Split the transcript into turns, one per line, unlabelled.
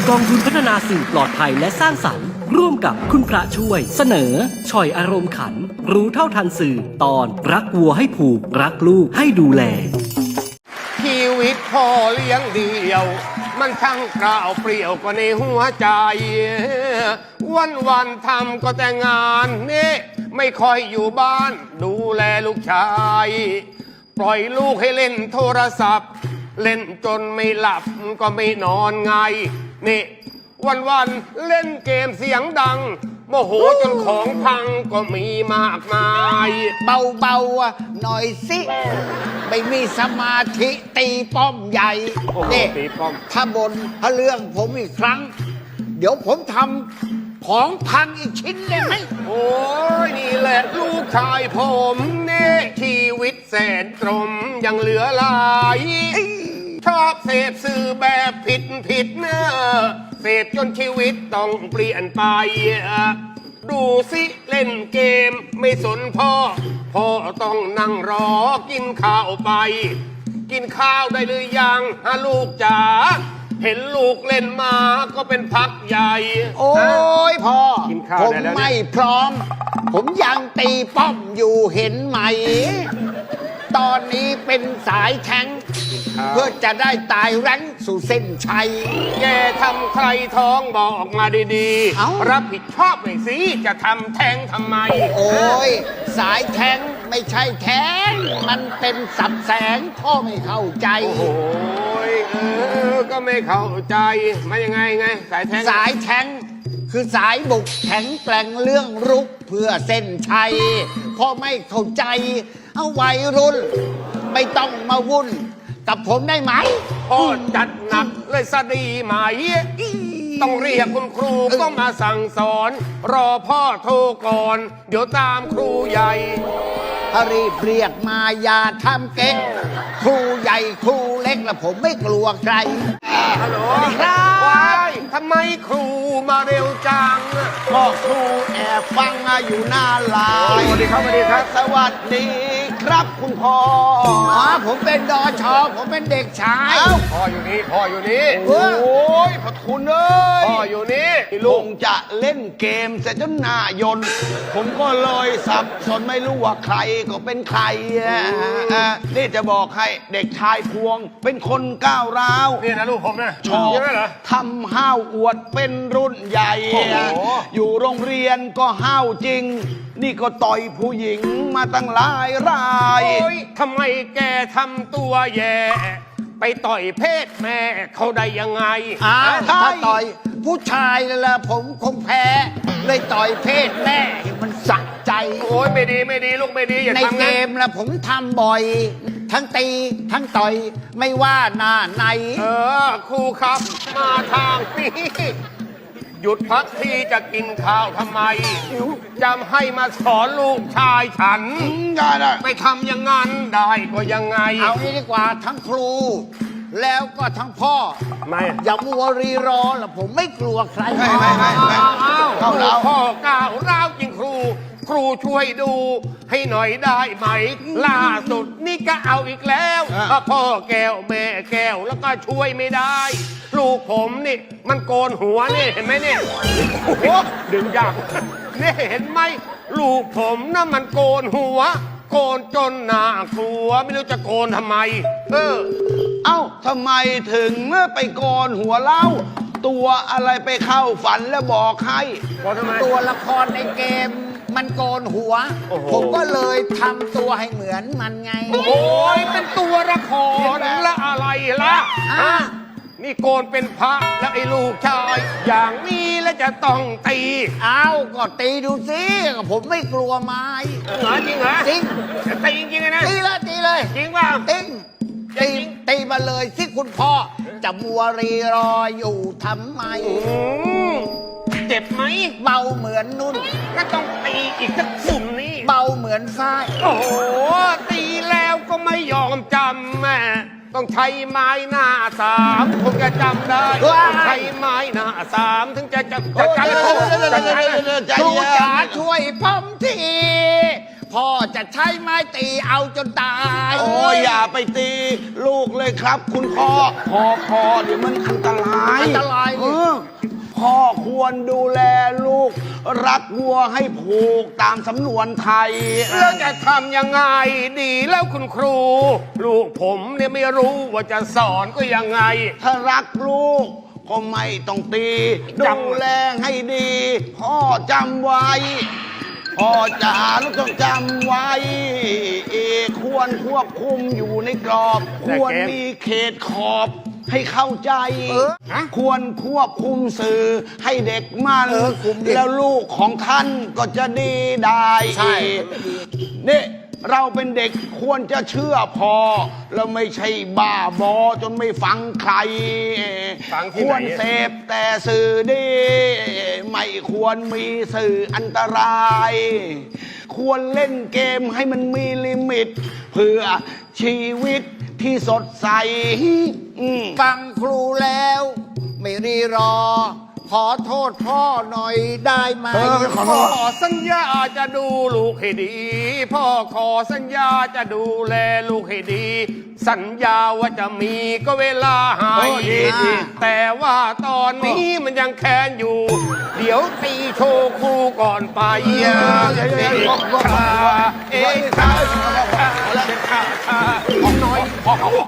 กองทุนพัฒนาสื่อปลอดภัยและสร้างสรรค์ร่วมกับคุณพระช่วยเสนอช่อยอารมณ์ขันรู้เท่าทันสื่อตอนรักวัวให้ผูกรักลูกให้ดูแล
ชีวิตพ่อเลี้ยงเดี่ยวมันช่างกล่าวเปรี่ยวกว่าในหัวใจวันทำก็แต่งานนี่ไม่ค่อยอยู่บ้านดูแลลูกชายปล่อยลูกให้เล่นโทรศัพท์เล่นจนไม่หลับก็ไม่นอนไงนี่วันเล่นเกมเสียงดังโมโหจนของพังก็มีมากมาย
เบาๆหน่อยสิไม่มีสมาธิตีป้อมใหญ่นี่ถ้าบนถ้าเรื่องผมอีกครั้งเดี๋ยวผมทำของพังอีกชิ้นได้ไหม
โอ้ยนี่แหละลูกชายผมเน่ชีวิตแสนตรมยังเหลือหลายชอบเสพสื่อแบบผิดเนอะเสพจนชีวิตต้องเปลี่ยนไปดูสิเล่นเกมไม่สนพ่อต้องนั่งรอกินข้าวไปกินข้าวได้หรือยังลูกจ๋าเห็นลูกเล่นมาก็เป็นพักใหญ่
โอ้ยพ่อผมไม่พร้อมผมยังตีป้อมอยู่เห็นไหมตอนนี้เป็นสายแทงเพื่อจะได้ตายแรงสู่เส้นชัย
แกทำใครท้องบอกมาดีๆรับผิดชอบหน่อยสิจะทำแทงทำไม
โอ้ยสายแทงไม่ใช่แทงมันเป็นสับแสงพ่อไม่เข้าใจ
โอ้ยก็ไม่เข้าใจมายังไงส
ายแทงคือสายบุกแข็งแกร่งเรื่องรุกเพื่อเส้นชัยพ่อไม่เข้าใจเอาวัยรุ่นไม่ต้องมาวุ่นกับผมได้ไหม
พ่อจัดหนักเลยสดีไหมต้องเรียกคุณครูก็มาสั่งสอนรอพ่อโทรก่อนเดี๋ยวตามครูใหญ่
ถ้ารีบเรียกมาอย่าทำเก๊กครูใหญ่ครูเล็กและผมไม่กลัวใคร
ฮัลโหลครับทำไมครูมาเร็วจัง
ก็ครูแอบฟังอยู่หน้าลาย
สวัสดีครับสวัสดีครับ
สวัสดีครับคุณพ่อผมเป็นดช.ผมเป็นเด็กชาย
พ่ออยู่นี่
โอ้ยพระคุณเอ้ย
พ่ออยู่นี่
ลุงจะเล่นเกมเสร็จจนหน้ายนผมก็เลยสับสนไม่รู้ว่าใครก็เป็นใครนี่จะบอกให้เด็กชายพวงเป็นคนก้าวร้าว
นี่นะลูกผมนะ
ชอบทำห้าวอวดเป็นรุ่นใหญ่อยู่โรงเรียนก็ห้าวจริงนี่ก็ต่อยผู้หญิงมาตั้งหลายราย
ทำไมแกทำตัวแย่ไปต่อยเพศแม่เขาได้ยังไง
ถ้าต่อยผู้ชายนั่นแหละผมคงแพ้เลยต่อยเพศแม่มันสักใจ
โอ้ยไม่ดีลูกไม่ดีอย่าทำ
ในเกมแล้วผมทำบ่อยทั้งตีทั้งต่อยไม่ว่าหน้าไหน
ครูครับมาทางนี้หยุดพักที่จะกินข้าวทำไมจำให้มาสอนลูกชายฉันไปทำอย่างนั้นได้ก็ยังไง
เอางี้ดีกว่าทั้งครูแล้วก็ทั้งพ่อ
ไม่
อย่ามัวรีรอแล้วผมไม่กลัวใคร
ไม่เข้าแล้วพ่อก้าวร้าวจริงครูช่วยดูให้หน่อยได้ไหมล่าสุดนี่ก็เอาอีกแล้วพ่อแก้วแม่แก้วแล้วก็ช่วยไม่ได้ลูกผมนี่มันโกนหัวนี่เห็นไหมเนี่ยดึงยากนี่เห็นไหมลูกผมน่ะมันโกนหัวโกนจนหน้ากลัวไม่รู้จะโกนทำไม
เอ้าทำไมถึงไปโกนหัวเล่าตัวอะไรไปเข้าฝันแล้วบอกให้ตัวละครในเกมมันโกนหัวผมก็เลยทำตัวให้เหมือนมันไง
โอ้ยเป็นตัวละครละอะไรล่ะนี่โกนเป็นพระแล้วไอ้ลูกชายอย่างนี้แล้วจะต้องตี
ก็ตีดูสิผมไม่กลัวไม้
จริงเหรอ
จริง
ตีจริงนะ
ตีเลย
จริงป่ะ
ตีมาเลยสิคุณพ่อจะมัวรีรออยู่ทำไม
เจ็บไหม
เบาเหมือนนุ่น
ก็ต้องตีอีกสักสุ่มนี้
เบาเหมือนฝ้าย
โอ้โหตีแล้วก็ไม่ยอมจำแม่ต้องใช้ไม้หน้าสามผมจะจำได้ต้องใช้ไม้หน้าสามถึงจะจำ
ครูจ๋าช่วยผมทีพ่อจะใช้ไม้ตีเอาจนตาย
โอ้ยอย่าไปตีลูกเลยครับคุณพ่อพอเดี๋ยวมันอันตราย
ควรดูแลลูก รักวัวให้ผูกตามสำนวนไทย
แล้วจะทำยังไงดีแล้วคุณครู ลูกผมเนี่ยไม่รู้ว่าจะสอนก็ยังไง
ถ้ารักลูกก็ไม่ต้องตี
จำ
ดูแลให้ดี พ่อจำไว้ พ่อจ๋าลูกต้องจำไว้ ควรควบคุมอยู่ในกรอบ ควรมีเขตขอบให้เข้าใจ ควรควบคุมสื่อให้เด็กมันแล้วลูกของท่านก็จะดีได้
ใช่
นี่เราเป็นเด็กควรจะเชื่อพอ แล้วไม่ใช่บ้าบอจนไม่ฟังใคร
ฟังที่
ค
ไหน
วรเสพแต่สื่อดี ไม่ควรมีสื่ออันตราย ควรเล่นเกมให้มันมีลิมิต เพื่อชีวิตที่สดใส
ฟังครูแล้ว ไม่รีรอ ขอโทษพ่อหน่อยได้ไหม
พ่อสัญญาจะดูลูกให้ดี พ่อขอสัญญาจะดูแลลูกให้ดี สัญญาว่าจะมีก็เวลาหายแต่ว่าตอนนี้มันยังแค้นอยู่ เดี๋ยวตีโชว์ครูก่อนไปเองค่ะน้อย